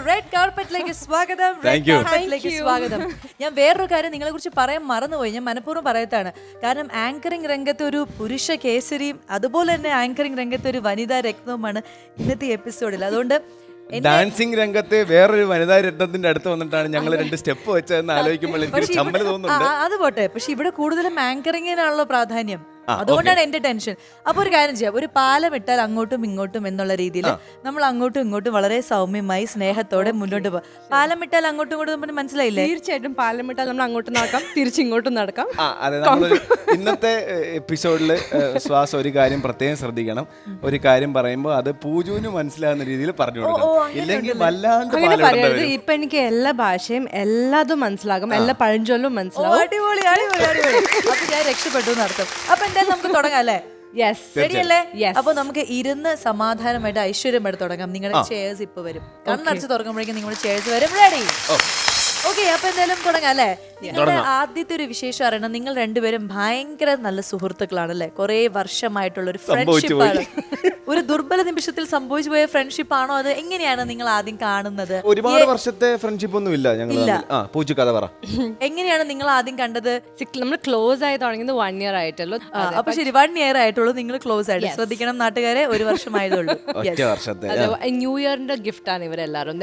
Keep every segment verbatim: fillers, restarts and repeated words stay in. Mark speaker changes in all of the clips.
Speaker 1: Red കാർപ്പറ്റിലേക്ക് സ്വാഗതം. Red കാർപ്പറ്റിലേക്ക് സ്വാഗതം. ഞാൻ വേറൊരു കാര്യം നിങ്ങളെ കുറിച്ച് പറയാൻ മറന്നുപോയി. ഞാൻ മനഃപൂർവ്വം പറയത്താണ്. കാരണം ആങ്കറിംഗ് രംഗത്ത് ഒരു പുരുഷ കേസരിയും അതുപോലെ തന്നെ ആങ്കറിംഗ് രംഗത്ത് ഒരു വനിതാ രത്നവുമാണ് ഇന്നത്തെ എപ്പിസോഡിൽ. അതുകൊണ്ട്
Speaker 2: ഡാൻസിങ് രംഗത്ത് വേറൊരു വനിതാ രത്നത്തിന്റെ അടുത്ത് വന്നിട്ടാണ് ഞങ്ങൾ രണ്ട് സ്റ്റെപ്പ് വെച്ചതെന്ന് ആലോചിക്കുമ്പോൾ എനിക്ക് ചമ്മൽ തോന്നുന്നുണ്ട്.
Speaker 1: അത് പോട്ടെ, പക്ഷെ ഇവിടെ കൂടുതലും ആങ്കറിങ്ങിനാണല്ലോ പ്രാധാന്യം. അതുകൊണ്ടാണ് എന്റെ ടെൻഷൻ. അപ്പൊ ഒരു കാര്യം ചെയ്യാം, ഒരു പാലം ഇട്ടാൽ അങ്ങോട്ടും ഇങ്ങോട്ടും എന്നുള്ള രീതിയിൽ നമ്മൾ അങ്ങോട്ടും ഇങ്ങോട്ടും വളരെ സൗമ്യമായി സ്നേഹത്തോടെ മുന്നോട്ട് പോകാം. പാലം ഇട്ടാൽ അങ്ങോട്ടും ഇങ്ങോട്ടും മനസ്സിലായില്ലേ?
Speaker 3: തീർച്ചയായിട്ടും പാലം ഇട്ടാൽ നമ്മൾ അങ്ങോട്ടും നടക്കാം, തിരിച്ചിങ്ങോട്ടും നടക്കാം.
Speaker 2: അതെ, നമ്മൾ ഇന്നത്തെ എപ്പിസോഡിൽ ശ്വാസം ഒരു കാര്യം പ്രത്യേകം ശ്രദ്ധിക്കണം. ഒരു കാര്യം പറയുമ്പോൾ അത് പൂജുവിന് മനസ്സിലാകുന്ന രീതിയിൽ പറഞ്ഞു കൊടുക്കണം. ഇല്ലെങ്കിൽ വല്ലാണ്ട്
Speaker 3: പറയരുത്. ഇപ്പൊ എനിക്ക് എല്ലാ ഭാഷയും എല്ലാതും മനസ്സിലാകും, എല്ലാ പഴഞ്ചൊല്ലും മനസ്സിലാകും.
Speaker 1: അടിപൊളി അടിപൊളി അടിപൊളി. അപ്പൊ ഞാൻ രക്ഷപ്പെട്ടു എന്നർത്ഥം. അപ്പൊ എന്തായാലും നമുക്ക് തുടങ്ങാം അല്ലേ? ശരിയല്ലേ? അപ്പൊ നമുക്ക് ഇരുന്ന് സമാധാനമായിട്ട് ഐശ്വര്യമായിട്ട് തുടങ്ങാം. നിങ്ങളുടെ ചെയർസ് ഇപ്പൊ വരും. കണ്ണടച്ച് തുറക്കുമ്പോഴേക്കും നിങ്ങളുടെ ചെയർസ് വരും. റെഡി? ഓക്കെ, അപ്പൊ എന്തായാലും തുടങ്ങാം അല്ലേ? നിങ്ങളുടെ ആദ്യത്തെ ഒരു വിശേഷം അറിയണം. നിങ്ങൾ രണ്ടുപേരും ഭയങ്കര നല്ല സുഹൃത്തുക്കളാണല്ലേ? കുറെ വർഷമായിട്ടുള്ള ഒരു ഫ്രണ്ട്ഷിപ്പ് ആണ്. ഒരു ദുർബല നിമിഷത്തിൽ സംഭവിച്ചു പോയ ഫ്രണ്ട്ഷിപ്പ് ആണോ? അത് എങ്ങനെയാണ് നിങ്ങൾ ആദ്യം കാണുന്നത്?
Speaker 2: ഒരുപാട് വർഷത്തെ ഫ്രണ്ട്ഷിപ്പ് ഒന്നും ഇല്ല ഞങ്ങൾ. കഥ പറ.
Speaker 1: എങ്ങനെയാണ് നിങ്ങൾ ആദ്യം കണ്ടത്?
Speaker 3: നമ്മൾ ക്ലോസ് ആയി തുടങ്ങിയത് വൺ ഇയർ ആയിട്ടുള്ളൂ.
Speaker 1: അപ്പൊ ശരി, വൺ ഇയർ ആയിട്ടുള്ളൂ നിങ്ങൾ ക്ലോസ് ആയിട്ട്. ശ്രദ്ധിക്കണം നാട്ടുകാരെ, ഒരു വർഷമായതുള്ളൂ.
Speaker 3: ന്യൂ ഇയറിന്റെ ഗിഫ്റ്റ് ആണ് ഇവരെല്ലാരും.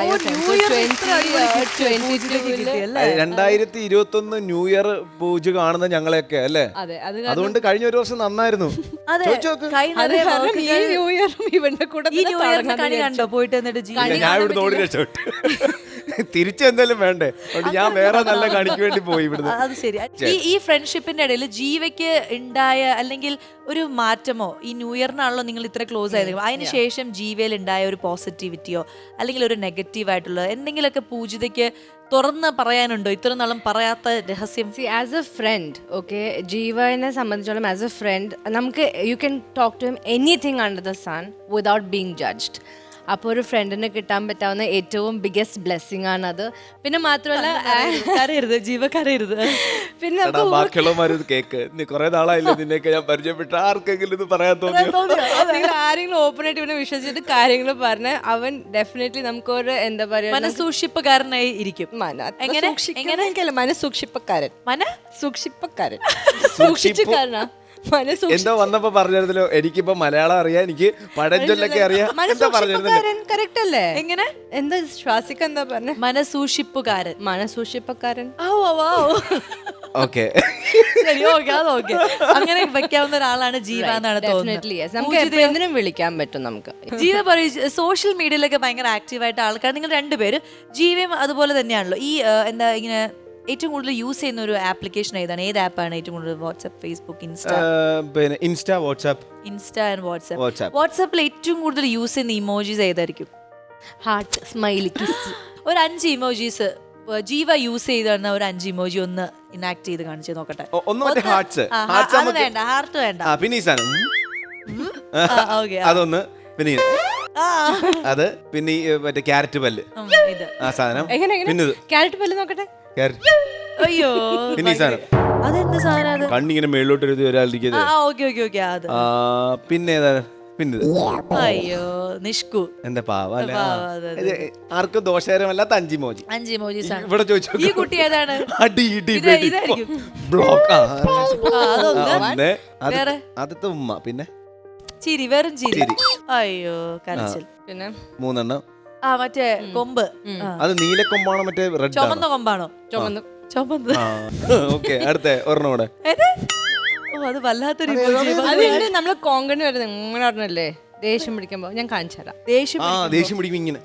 Speaker 2: രണ്ടായിരത്തി ഇരുപത്തി ഒന്ന് ന്യൂ ഇയർ പൂജ കാണുന്ന ഞങ്ങളെയൊക്കെ അല്ലേ? അതുകൊണ്ട് കഴിഞ്ഞ ഒരു വർഷം നന്നായിരുന്നു.
Speaker 3: ന്യൂ ഇയറും ഇവന്റെ കൂടെ
Speaker 1: കണ്ടോ പോയിട്ട്? എന്നിട്ട്
Speaker 2: ഞാൻ ഇവിടെ ഓടി രക്ഷപ്പെട്ടു. തിരിച്ചെന്തായാലും വേണ്ടേ, ഞാൻ വേറെ നല്ല കണിക്ക് വേണ്ടി പോയി ഇവിടുന്ന്.
Speaker 1: അത് ശരി. ഈ ഈ ഫ്രണ്ട്ഷിപ്പിന്റെ ഇടയിൽ ജീവയ്ക്ക് ഉണ്ടായ അല്ലെങ്കിൽ ഒരു മാറ്റമോ, ഈ ന്യൂ ഇയറിനാണല്ലോ നിങ്ങൾ ഇത്ര ക്ലോസ് ആയത്, അതിനുശേഷം ജീവയിൽ ഉണ്ടായ ഒരു പോസിറ്റിവിറ്റിയോ അല്ലെങ്കിൽ ഒരു നെഗറ്റീവ് ആയിട്ടുള്ള എന്തെങ്കിലുമൊക്കെ പൂജിതയ്ക്ക് തുറന്ന് പറയാനുണ്ടോ? ഇത്ര നാളും പറയാത്ത രഹസ്യം.
Speaker 3: See as a friend, okay, ജീവനെ സംബന്ധിച്ചോളം ആസ് എ ഫ്രണ്ട് നമുക്ക് you can talk to him anything under the sun without being judged. അപ്പോൾ ഒരു ഫ്രണ്ടിന് കിട്ടാൻ പറ്റാവുന്ന ഏറ്റവും ബിഗ്ഗസ്റ്റ് ബ്ലെസ്സിങ് ആണ് അത്. പിന്നെ മാത്രമല്ല
Speaker 1: കരയരുത് ജീവ, കരയരുത്.
Speaker 3: പിന്നെ
Speaker 2: ബാക്കിയുള്ളവര് കേക്ക് കുറെ നാളായില്ല നിന്നെയൊക്കെ ഞാൻ പരിചയപ്പെട്ട, ആർക്കെങ്കിലും ഇത് പറയാൻ തോന്നിയോ?
Speaker 3: നിങ്ങൾ ആരെങ്കിലും ഓപ്പൺ ആയിട്ട് ഇവനെ വിശ്വസിച്ചിട്ട് കാര്യങ്ങൾ പറഞ്ഞ അവൻ ഡെഫിനറ്റ്ലി നമുക്കൊരു എന്താ പറയാ
Speaker 1: മനസൂക്ഷിപ്പുകാരനായി ഇരിക്കും.
Speaker 3: എങ്ങനെ മനസൂക്ഷിപ്പക്കാരൻ മന സൂക്ഷിപ്പക്കാരൻ സൂക്ഷിച്ചുകാരനാ
Speaker 2: എന്തോ വന്നപ്പോ പറഞ്ഞിരുന്നല്ലോ. എനിക്കിപ്പോ മലയാളം അറിയാം, എനിക്ക് പഴഞ്ചൊല്ലൊക്കെ അറിയാം.
Speaker 3: കറക്റ്റ് അല്ലേ? എങ്ങനെ എന്താ ശ്വാസിക്ക എന്താ പറഞ്ഞ?
Speaker 1: മനസൂക്ഷിപ്പുകാരൻ.
Speaker 3: മനസൂക്ഷിപ്പക്കാരൻ.
Speaker 2: ഓക്കെ,
Speaker 1: അങ്ങനെ വെക്കാവുന്ന ഒരാളാണ് ജീവ എന്നാണ് തോന്നുന്നത്.
Speaker 3: നമുക്ക് എന്തിനും വിളിക്കാൻ പറ്റും നമുക്ക്.
Speaker 1: ജീവ പറയും, സോഷ്യൽ മീഡിയയിലൊക്കെ ഭയങ്കര ആക്റ്റീവായിട്ട് ആൾക്കാർ, നിങ്ങൾ രണ്ടുപേരും ജീവയും അതുപോലെ തന്നെയാണല്ലോ. ഈ എന്താ ഇങ്ങനെ ഏറ്റവും കൂടുതൽ യൂസ് ചെയ്യുന്ന ഒരു ആപ്ലിക്കേഷൻ ഏതാണ്? ഏത് ആപ്പാണ് ഏറ്റവും കൂടുതൽ? WhatsApp, Facebook, Insta?
Speaker 2: പിന്നെ Insta, WhatsApp.
Speaker 1: Insta and WhatsApp. വാട്സ്ആപ്പിൽ ഏറ്റവും കൂടുതൽ യൂസ് ചെയ്യുന്ന ഇമോജീസ് ഏതായിരിക്കും?
Speaker 3: Heart, smiley, kiss.
Speaker 1: ഒരു അഞ്ച് ഇമോജീസ് ജീവ യൂസ് ചെയ്ത ഒരു അഞ്ച് ഇമോജി ഒന്ന് ഇനാക്ട് ചെയ്ത് കാണിച്ചു നോക്കട്ടെ.
Speaker 2: അത്
Speaker 1: വേണ്ട, ഹാർട്ട് വേണ്ട.
Speaker 2: അതൊന്ന്. പിന്നെ അത് പിന്നെ മറ്റേ ക്യാരറ്റ് പല്ല്, ആ സാധനം. പിന്നെ
Speaker 3: ക്യാരറ്റ് പല്ല് നോക്കട്ടെ.
Speaker 1: അയ്യോ,
Speaker 2: പിന്നെ സാധനം
Speaker 1: അതെന്ത് സാധനം?
Speaker 2: കണ്ണിങ്ങനെ മേളിലോട്ട് എഴുതി ഒരാളിരിക്കുന്നത്. പിന്നെ പിന്നെ
Speaker 1: അയ്യോ നിഷ്കു,
Speaker 2: എന്റെ പാവ, ആർക്കും ദോഷകരമല്ലാത്ത അഞ്ച് ഇമോജി.
Speaker 1: അഞ്ച് ഇമോജീസ്
Speaker 2: ഇവിടെ ചോദിച്ചു.
Speaker 1: ഈ കുട്ടി ഏതാണ്?
Speaker 2: അടി ഇടി ബ്ലോക്ക്. ആദ്യത്തെ ഉമ്മ, പിന്നെ
Speaker 1: ചിരി, വെറും ചിരി. അയ്യോ കരച്ചിൽ. പിന്നെ മൂന്നെണ്ണം. ആ മറ്റേ കൊമ്പ്,
Speaker 2: അത് നീലക്കൊമ്പാണോ മറ്റേ റെഡ്
Speaker 1: ചുമന്ന കൊമ്പാണോ?
Speaker 3: ചുമന്ന്
Speaker 1: ചുമന്ന്.
Speaker 2: ഓക്കെ, അടുത്ത ഒരെണ്ണം കൂടെ.
Speaker 1: അത് വല്ലാത്തൊരു
Speaker 3: നമ്മള് കോങ്കണ് വരുന്നത് ഇങ്ങനെ പറഞ്ഞല്ലേ, ദേഷ്യം പിടിക്കുമ്പോ ഞാൻ കാണിച്ചു തരാം.
Speaker 2: ദേഷ്യം പിടിക്കും ഇങ്ങനെ.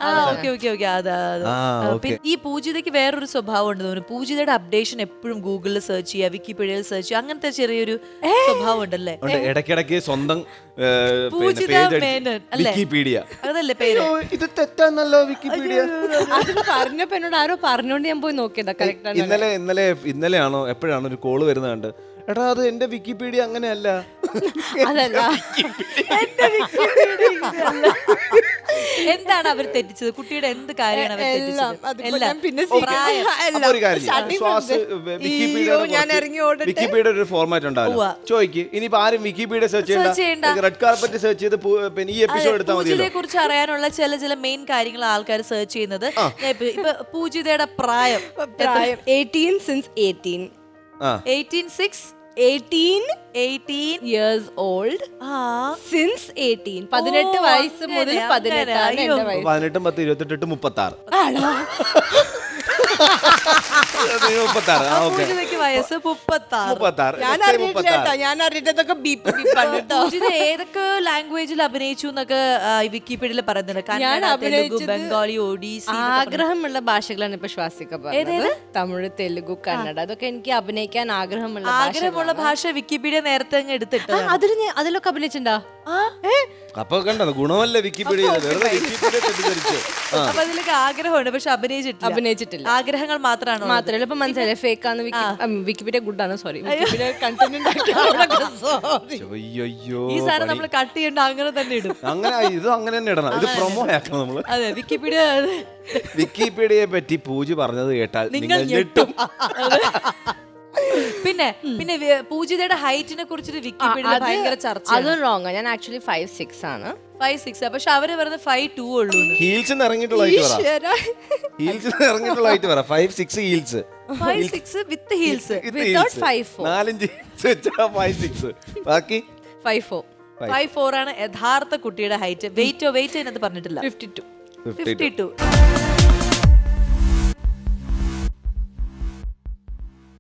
Speaker 1: ഈ പൂജിതയ്ക്ക് വേറൊരു സ്വഭാവം ഉണ്ട് തോന്നുന്നു. പൂജിതയുടെ അപ്ഡേഷൻ എപ്പോഴും ഗൂഗിളിൽ സെർച്ച് ചെയ്യുക, വിക്കിപീഡിയയിൽ സെർച്ച് ചെയ്യുക, അങ്ങനത്തെ ചെറിയൊരു സ്വഭാവം ഉണ്ടല്ലേ?
Speaker 2: ഇടയ്ക്കിടയ്ക്ക് സ്വന്തം വിക്കിപീഡിയ,
Speaker 1: അതല്ലേ പേര്?
Speaker 2: ഇത് തെറ്റാന്നല്ലോ വിക്കിപീഡിയ.
Speaker 3: പറഞ്ഞപ്പോ എന്നോട് ആരോ പറഞ്ഞോണ്ട് ഞാൻ പോയി നോക്കിയതാ. കറക്റ്റ്.
Speaker 2: ഇന്നലെ ഇന്നലെ ഇന്നലെയാണോ എപ്പോഴാണോ ഒരു കോള് വരുന്നത് കണ്ട്, എടാ അത് എന്റെ വിക്കിപീഡിയ അങ്ങനെയല്ല.
Speaker 3: അതല്ല
Speaker 1: എന്താണ് അവർ തെറ്റിച്ചത്? കുട്ടിയുടെ എന്ത് കാര്യമാണ് അവർ
Speaker 4: എല്ലാം.
Speaker 1: തെറ്റിച്ചത്?
Speaker 4: അതിപ്പോ
Speaker 1: എല്ലാം.
Speaker 4: ഞാൻ പിന്നെ
Speaker 1: പ്രായം.
Speaker 2: അപ്പൊ ഒരു കാര്യം ചെയ്യ്.
Speaker 4: starting
Speaker 2: ശ്വാസ്
Speaker 4: from the-
Speaker 2: വിക്കിപീഡിയയുടെ
Speaker 4: അയ്യോ, ഞാൻ
Speaker 2: കുറച്ച്
Speaker 4: ഇറങ്ങി ഓടട്ടെ.
Speaker 2: വിക്കിപീഡിയയുടെ ഒരു ഫോർമാറ്റ് ഉണ്ടാവില്ല.
Speaker 1: ഉവ്വ.
Speaker 2: ചോദിക്ക് ഇനിയിപ്പോ ആരും വിക്കിപീഡിയ സെർച്ച്
Speaker 1: Search ചെയ്യണ്ട.
Speaker 2: ചെയ്യണ്ട, റെഡ് കാർപ്പറ്റ് സെർച്ച് ചെയ്ത് പു- പിന്നെ ഈ എപ്പിസോഡ് എടുത്താൽ മതിയല്ലോ.
Speaker 1: പൂജിതയെ കുറിച്ച് അറിയാനുള്ള ചില ചില മെയിൻ കാര്യങ്ങൾ ആൾക്കാർ സെർച്ച് ചെയ്യുന്നത്. ഞാൻ ഇപ്പൊ- ഇപ്പൊ പൂജിതയുടെ പ്രായം
Speaker 4: പ്രായം എയ്റ്റീൻ സിൻസ് എയ്റ്റീൻ
Speaker 2: ആ
Speaker 1: eighteen six
Speaker 4: eighteen
Speaker 1: eighteen
Speaker 3: years old
Speaker 1: ആ
Speaker 3: സിൻസ് എയ്റ്റീൻ പതിനെട്ട്
Speaker 1: ഓ,
Speaker 3: വയസ്സ്
Speaker 1: അങ്ങനെ,
Speaker 3: മുതൽ
Speaker 1: അങ്ങനെ.
Speaker 3: പതിനെട്ടാണ്
Speaker 1: അയ്യോ.
Speaker 3: എന്റെ വയസ്സ്.
Speaker 2: പതിനെട്ടും പത്ത് ഇരുപത്തെട്ട് മുപ്പത്തി ആറ്
Speaker 3: ആണോ?
Speaker 2: മുപ്പത്തി ആറ് ഓക്കെ
Speaker 1: പൂജിതയ്ക്ക് വയസ്സ് മുപ്പത്തി ആറ്.
Speaker 2: മുപ്പത്തി ആറ്
Speaker 4: ഞാൻ അറിഞ്ഞിട്ടില്ല കേട്ടോ, ഞാൻ അറിഞ്ഞിട്ടൊക്കെ ബീപ്പ് ബീപ്പാണ് കേട്ടോ.
Speaker 1: പൂജിത ഏതൊക്കെ ലാംഗ്വേജിൽ അഭിനയിച്ചു എന്നൊക്കെ ആ, ഈ വിക്കിപീഡിയയിൽ പറയുന്നുണ്ട്.
Speaker 3: ഞാൻ
Speaker 1: കന്നഡ, തെലുഗു,
Speaker 3: അഭിനയിച്ചത്
Speaker 1: ബംഗാളി, ഒഡീസി.
Speaker 3: ആഗ്രഹമുള്ള ഭാഷകളാണ് ഇപ്പൊ ശ്വാസിക പറഞ്ഞത്. തമിഴ്, തെലുഗു, കന്നഡ അതൊക്കെ എനിക്ക് അഭിനയിക്കാൻ ആഗ്രഹമുള്ള
Speaker 1: ആഗ്രഹമുള്ള ഭാഷ വിക്കിപീഡിയ നേരത്തെ അങ്ങ് എടുത്തിട്ട്
Speaker 3: അതിൽ അതിലൊക്കെ അഭിനയിച്ചിട്ടുണ്ടോ?
Speaker 2: അപ്പൊ കണ്ടോ ഗുണമല്ല വിക്കിപീഡിയ, വെറുതെ വിക്കിപീഡിയ തെറ്റിദ്ധരിച്ചു. ആ
Speaker 1: അപ്പൊ അതിലൊക്കെ ആഗ്രഹമുണ്ട്, പക്ഷെ അഭിനയിച്ചിട്ടില്ല.
Speaker 3: അഭിനയിച്ചിട്ടില്ല.
Speaker 1: ആഗ്രഹങ്ങൾ മാത്രമാണ്.
Speaker 3: മാത്രല്ല ഇപ്പൊ മനസ്സിലായി ഫേക്ക് ആണ് വിക്കിപീഡിയ ഗുഡ് ആണ്. സോറി വിക്കിപീഡിയ കണ്ടന്റ്
Speaker 2: അയ്യോ
Speaker 1: ഈ സാധനം നമ്മൾ കട്ട് ചെയ്യണ്ട, അങ്ങനെ തന്നെ ഇടും.
Speaker 2: അങ്ങനെ ഇത് അങ്ങനെ തന്നെ ഇടണം, ഇത് പ്രൊമോ ആക്കണം നമ്മള്.
Speaker 1: അതെ, വിക്കിപീഡിയ
Speaker 2: വിക്കിപീഡിയയെ പറ്റി പൂജ പറഞ്ഞത് കേട്ടാൽ
Speaker 1: നിങ്ങൾ
Speaker 2: നിങ്ങൾ ഞെട്ടും.
Speaker 1: പിന്നെ പിന്നെ വി- പൂജിതയുടെ ഹൈറ്റിനെ കുറിച്ചിട്ട് വിക്കിപീഡിയ ഭയങ്കര ചർച്ച.
Speaker 3: അതും റോങ്. ഞാൻ ആക്ച്വലി ഫൈവ് സിക്സ് ആണ്.
Speaker 1: ഫൈവ് സിക്സ് പക്ഷെ അവര് പറയുന്നത് ഫൈവ് ടു ഉള്ളൂ.
Speaker 2: ഹീൽസ് ഇറങ്ങിയിട്ടുള്ള ഹൈറ്റ് പറ, ഹീൽസ് ഇറങ്ങിയിട്ടുള്ള ഹൈറ്റ് പറ. Five six heels,
Speaker 1: five six with heels.
Speaker 3: Without five four.
Speaker 2: നാലഞ്ച് ഹീൽസ് വെച്ചാ ഫൈവ് സിക്സ്, ബാക്കി
Speaker 3: ഫൈവ് ഫോർ
Speaker 1: ഫൈവ് ഫോർ ആണ് യഥാർത്ഥ കുട്ടിയുടെ ഹൈറ്റ്. വെയിറ്റോ വെയിറ്റ് അതിനകത്ത് പറഞ്ഞിട്ടില്ല.
Speaker 3: Fifty two
Speaker 2: fifty
Speaker 1: fifty to